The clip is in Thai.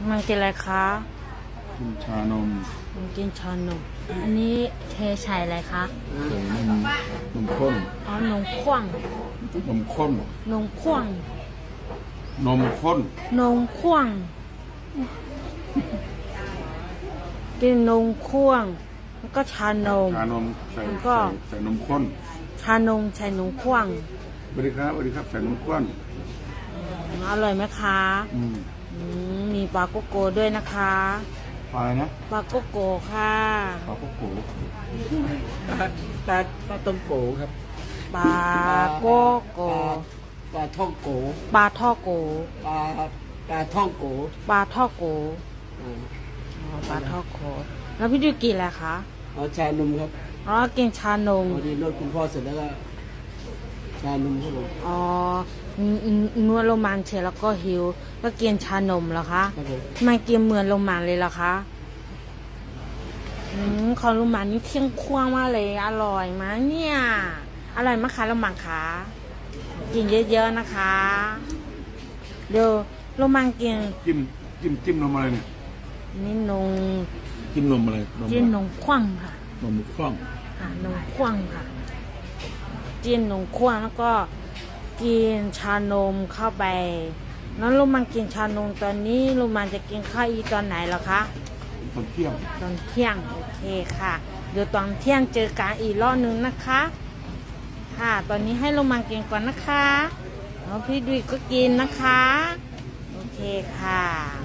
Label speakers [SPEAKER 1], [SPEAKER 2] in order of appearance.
[SPEAKER 1] มันกินอะไรคะ
[SPEAKER 2] กินชานม
[SPEAKER 1] มันกินชานมอันนี้เทใส่อะไรคะ
[SPEAKER 2] ใส่นมข้น
[SPEAKER 1] อ๋อนมข้น
[SPEAKER 2] นมข้น
[SPEAKER 1] นมข้น
[SPEAKER 2] นมข้น
[SPEAKER 1] นมข้นกินนมข้นแล้วก็ชานม
[SPEAKER 2] ใส่นมข้น
[SPEAKER 1] ชานมใส่นมข้น
[SPEAKER 2] สวัสดีครับใส่นมข้น
[SPEAKER 1] อร่อยไหมคะมีปลาโกโก้ด้วยนะคะ
[SPEAKER 2] ปลานะ
[SPEAKER 1] ปลาโกโก้ค่ะ
[SPEAKER 2] ปลาโกโก้ปลาต้มโกครับ
[SPEAKER 1] ปลาโกโก้
[SPEAKER 2] ปลาท่องโก
[SPEAKER 1] ปลาท่อโก
[SPEAKER 2] ปลาท่องโก
[SPEAKER 1] ปลาท่อโกปลาท่อโกแล้วพี่ดูกินอะไรคะ
[SPEAKER 2] ชานมครับ
[SPEAKER 1] กินชานม
[SPEAKER 2] พอดีรถคุณพ่อเสร็จแล้วก็ชานมครับ
[SPEAKER 1] ผมนวดโรมันเสร็จแล้วก็หิวก็กินชานมเหรอคะไม่กินเหมือนโรมันเลยเหรอคะของโรมันนี่เที่ยงคว้างมากเลยอร่อยมากเนี่ยอร่อยมากค่ะโรมันคะกินเยอะๆนะคะเดี๋ยวโรมันกิน
[SPEAKER 2] จิ้มนมอะไรเนี่ย
[SPEAKER 1] นี่
[SPEAKER 2] จิ้มนมอะไร
[SPEAKER 1] จิ้มนมข้นค่ะ
[SPEAKER 2] นมข้น
[SPEAKER 1] ค่ะนมข้นค่ะจิ้มนมข้นแล้วก็กินชานมเข้าไปแล้วโรมันกินชานมตอนนี้โรมันจะกินข้าวอีตอนไหนเหรอคะ
[SPEAKER 2] ตอนเที่ยง
[SPEAKER 1] โอเคค่ะเดี๋ยวตอนเที่ยงเจอกันอีกรอบนึงนะคะค่ะตอนนี้ให้โรมันกินก่อนนะคะแล้วพี่ดุยก็กินนะคะโอเคค่ะ